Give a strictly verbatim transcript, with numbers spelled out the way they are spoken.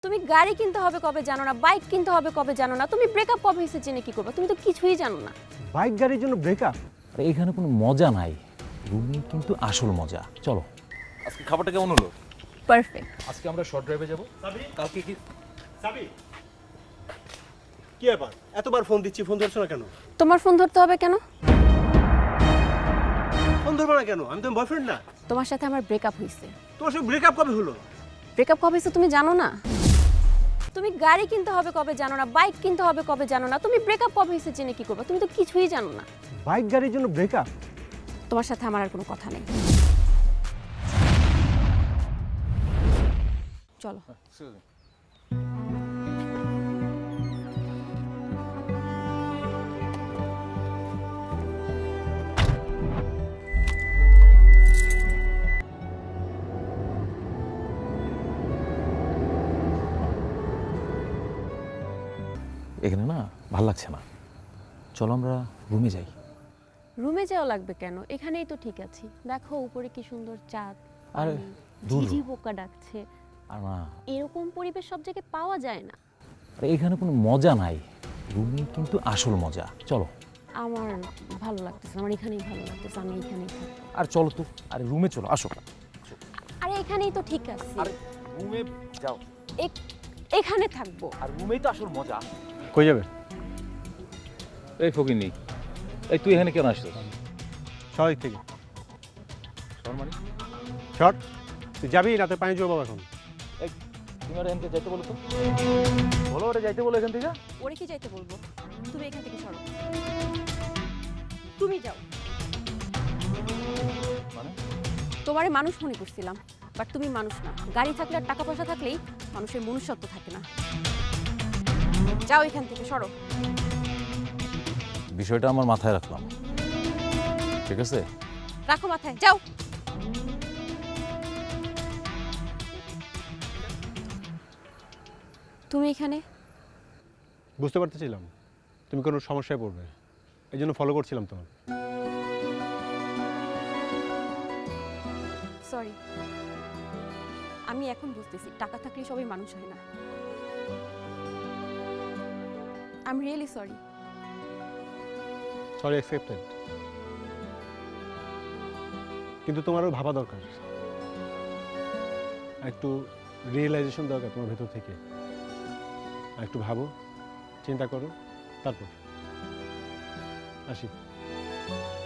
তুমি গাড়ি কিনতে হবে কবে জানো না, বাইক কিনতে হবে কবে জানো না, তুমি ব্রেকআপ কবে হয়েছে জেনে কি করবে? তুমি তো কিছুই জানো না। বাইক গাড়ির জন্য ব্রেকআপ? আরে এখানে কোনো মজা নাই, রুমি কিন্তু আসল মজা। চলো। আজকে খাবারটা কেমন হলো? পারফেক্ট। আজকে আমরা শর্ট ড্রাইভে যাব। কালকে কি সাবি, কি ব্যাপার? এতবার ফোন দিচ্ছি, ফোন ধরছো না কেন? তোমার ফোন ধরতে হবে কেন? ফোন ধরবো না কেন? আমি তো বয়ফ্রেন্ড না। তোমার সাথে আমার ব্রেকআপ হয়েছে। তোমার সাথে ব্রেকআপ কবে হলো? ব্রেকআপ কবে হয়েছে তুমি জানো না? তুমি গাড়ি কিনতে হবে কবে জানো না, বাইক কিনতে হবে কবে জানো না, তুমি ব্রেকআপ কবে হয়েছে জেনে কি করবে? তুমি তো কিছুই জানো না। বাইক গাড়ির জন্য ব্রেকআপ? তোমার সাথে আমার আর কোনো কথা নেই। চলো। এখানে না ভাল লাগছে না, চলো আমরা রুমে যাই। রুমে যাওয়া লাগবে কেন? এখানেই তো ঠিক আছি। দেখো উপরে কি সুন্দর চাঁদ, আরে পানি, দূর। ঝিঝি পোকা ডাকছে। আর না, এরকম পরিবেশ সব জায়গায় পাওয়া যায় না। আরে এখানে কোনো মজা নাই, রুমি কিন্তু আসল মজা। চলো। আমার ভালো লাগতেছে, আমার এখানেই ভালো লাগতেছে, আমি এখানেই থাকবো। আর চলো তো, আরে রুমে চলো, আসো। আরে এখানেই তো ঠিক আছে। আরে রুমে যাও। এ- এখানে থাকবো। আর রুমেই তো আসল মজা। কই যাবে? এই ফকিনি, এই তুই এখানে কেন আসছিস? সবাই থেকে শর্ট মানে? শর্ট, তুই যাবি না? তো পানি জমা এখন। এই তুমি আর এখান থেকে যাইতে বলো তো, বলো ওরে যাইতে বলো এখান থেকে। ওরে কি যাইতে বলবো? তুমি এখান থেকে সরো। তুমি যাও। মানে তোমারে মানুষ মনে করছিলাম, বাট তুমি মানুষ না। গাড়ি থাকলে আর টাকা পয়সা থাকলেই মানুষের মনুষ্যত্ব থাকে না। যাও এখান থেকে সরো। বিষয়টা আমার মাথায় রাখলাম, ঠিক আছে? রাখো মাথায়, যাও। তুমি এখানে? বুঝতে পারতেছিলাম তুমি কোনো সমস্যায় পড়বে, এই জন্য ফলো করছিলাম তোমার। সরি, আমি এখন বুঝতেছি টাকা থাকলে সবাই মানুষ হয় না। I am really sorry. Sorry accepted, কিন্তু তোমারও ভাবা দরকার, একটু রিয়েলাইজেশন দরকার তোমার ভেতর থেকে। একটু ভাবো, চিন্তা করো, তারপর আসি।